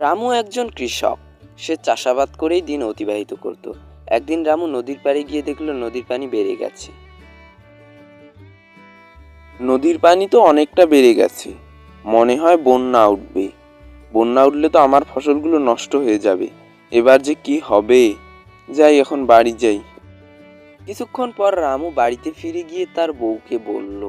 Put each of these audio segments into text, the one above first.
রামু একজন কৃষক। সে চাষাবাদ করেই দিন অতিবাহিত করত। একদিন রামু নদীর পাড়ে গিয়ে দেখল নদীর পানি বেড়ে গেছে। নদীর পানি তো অনেকটা বেড়ে গেছে, মনে হয় বন্যা উঠবে। বন্যা উঠলে তো আমার ফসলগুলো নষ্ট হয়ে যাবে। এবার যে কি হবে। যাই, এখন বাড়ি যাই। কিছুক্ষণ পর রামু বাড়িতে ফিরে গিয়ে তার বউকে বলল,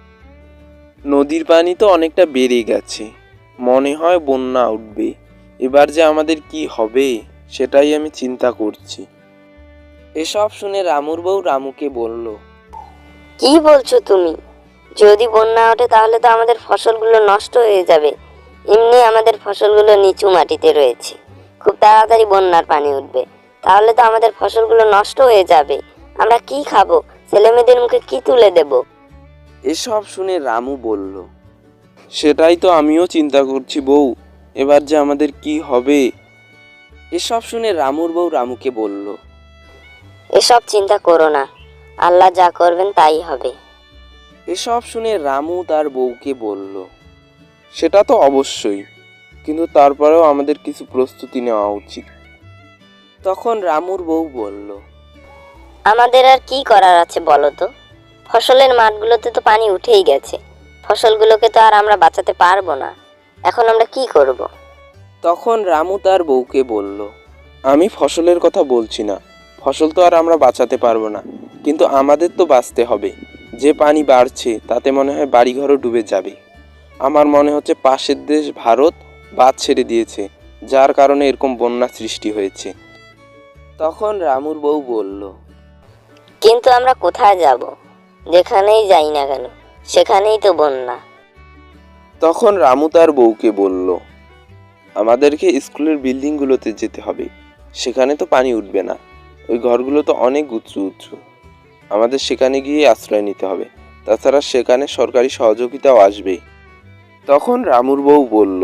নদীর পানি তো অনেকটা বেড়ে গেছে, মনে হয় বন্যা উঠবে। এবার যে আমাদের কি হবে সেটাই আমি চিন্তা করছি। এসব শুনে রামুর বউ রামুকে বলল, কি বলছো তুমি? যদি বন্যা ওঠে তাহলে তো আমাদের ফসলগুলো নষ্ট হয়ে যাবে। এমনি আমাদের ফসলগুলো নিচু মাটিতে রয়েছে, খুব তাড়াতাড়ি বন্যার পানি উঠবে। তাহলে তো আমাদের ফসলগুলো নষ্ট হয়ে যাবে। আমরা কি খাবো? ছেলেমেয়েদের মুখে কি তুলে দেব? এসব শুনে রামু বলল, সেটাই তো আমিও চিন্তা করছি বউ, এবার যে আমাদের কি হবে। এসব শুনে রামুর বউ রামুকে বলল, এসব চিন্তা করো না, আল্লাহ যা করবেন তাই হবে। এসব শুনে রামু তার বউকে বলল, সেটা তো অবশ্যই, কিন্তু তারপরেও আমাদের কিছু প্রস্তুতি নেওয়া উচিত। তখন রামুর বউ বলল, আমাদের আর কি করার আছে বলো তো? ফসলের মাঠগুলোতে তো পানি উঠেই গেছে। ফসলগুলোকে তো আর আমরা বাঁচাতে পারবো না। এখন আমরা কি করব? তখন রামু তার বউকে বলল, আমি ফসলের কথা বলছি না, ফসল তো আর আমরা বাঁচাতে পারবো না, কিন্তু আমাদের তো বাঁচতে হবে। যে পানি বাড়ছে তাতে মনে হয় বাড়িঘরও ডুবে যাবে। আমার মনে হচ্ছে পাশের দেশ ভারত বাঁধ ছেড়ে দিয়েছে, যার কারণে এরকম বন্যা সৃষ্টি হয়েছে। তখন রামুর বউ বলল, কিন্তু আমরা কোথায় যাব? যেখানেই যাই না কেন সেখানেই তো বন্যা। তখন রামু তার বউকে বলল, আমাদেরকে স্কুলের বিল্ডিংগুলোতে যেতে হবে, সেখানে তো পানি উঠবে না। ওই ঘরগুলো তো অনেক উঁচু উঁচু, আমাদের সেখানে গিয়ে আশ্রয় নিতে হবে। তাছাড়া সেখানে সরকারি সহযোগিতাও আসবে। তখন রামুর বউ বলল,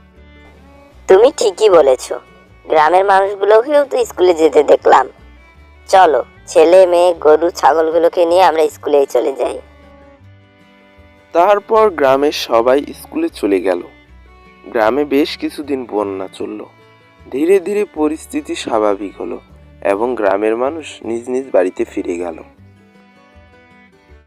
তুমি ঠিকই বলেছ, গ্রামের মানুষগুলোকেও তো স্কুলে যেতে দেখলাম। চলো, ছেলে মেয়ে গরু ছাগলগুলোকে নিয়ে আমরা স্কুলেই চলে যাই। তারপর গ্রামের সবাই স্কুলে চলে গেল। গ্রামে বেশ কিছুদিন বন্যা চলল। ধীরে ধীরে পরিস্থিতি স্বাভাবিক হলো এবং গ্রামের মানুষ নিজ নিজ বাড়িতে ফিরে গেল।